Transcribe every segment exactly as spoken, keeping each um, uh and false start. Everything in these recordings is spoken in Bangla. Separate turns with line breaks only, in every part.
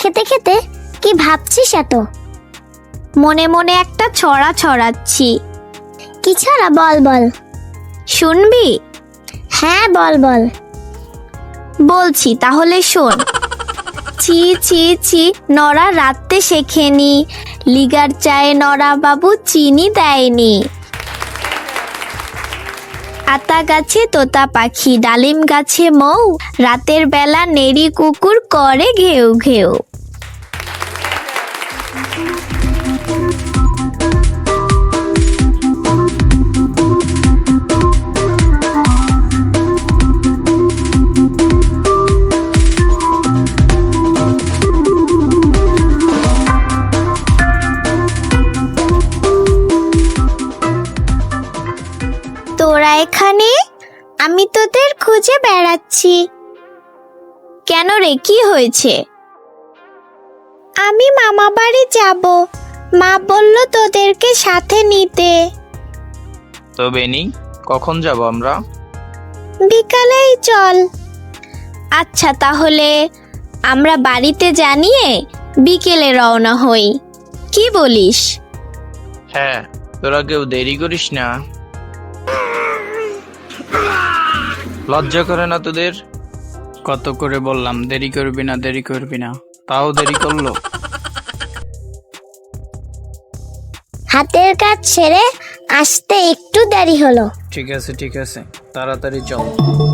খেতে খেতে কি ভাবছিস এত?
মনে মনে একটা ছড়া ছড়াচ্ছি।
কি ছড়া? বল বল।
শুনবি?
হ্যাঁ বল বল।
বলছি তাহলে শোন। ছি ছি ছি নড়া রাত্রে শেখেনি, লিগার চায়ে নড়া বাবু চিনি দেয়নি। আতা গাছে তোতা পাখি, ডালিম গাছে মৌ, রাতের বেলা নেড়ি কুকুর করে ঘেউ ঘেউ। তোরা এখানে? আমি তোদের খুঁজে বেড়াচ্ছি। কেন রে, কি হয়েছে? আমি মামা বাড়ি যাব, মা বলল তোদেরকে সাথে নিতে।
তো বেনি, কখন যাব আমরা?
বিকালেই চল। আচ্ছা তাহলে আমরা বাড়িতে জানিয়ে বিকেলে রওনা হই, কি বলিস?
হ্যাঁ, তোরা কেউ দেরি করিস না। লজ্জা করে না তোদের? কত করে বললাম দেরি করবি না দেরি করবি না, তাও দেরি করলো।
হাতের কাজ ছেড়ে আসতে একটু দেরি হলো।
ঠিক আছে ঠিক আছে, তাড়াতাড়ি চল।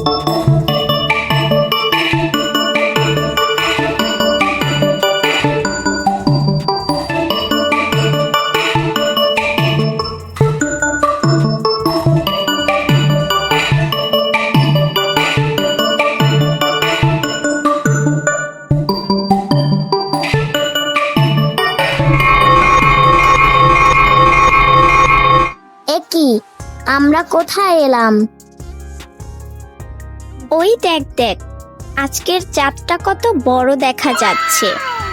কি আমরা কোথায় এলাম?
ওই দেখ দেখ, আজকের চাঁদটা কত বড় দেখা যাচ্ছে।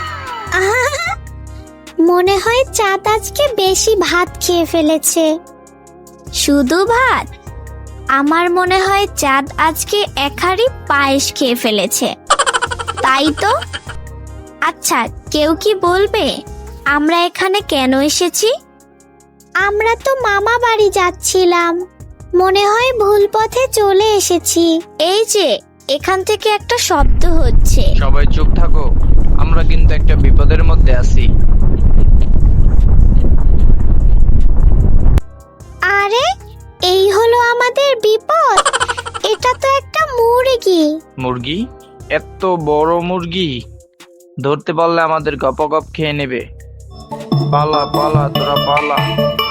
মনে হয় চাঁদ আজকে বেশি ভাত খেয়ে ফেলেছে। শুধু ভাত? আমার মনে হয় চাঁদ আজকে এক হাঁড়ি পায়েস খেয়ে ফেলেছে। তাই তো। আচ্ছা, কেউ কি বলবে আমরা এখানে কেন এসেছি? আমরা তো মামা বাড়ি যাচ্ছিলাম, মনে হয় ভুল পথে চলে এসেছি। এই যে এখান থেকে একটা শব্দ হচ্ছে।
সবাই চুপ থাকো, আমরা কিন্তু একটা বিপদের মধ্যে আছি।
আরে, এই হলো আমাদের বিপদ। এটা তো একটা মুরগি।
মুরগি? এত বড় মুরগি? ধরতে পারলে আমাদের গপ গপ খেয়ে নেবে। পালা পালা তোরা পালা।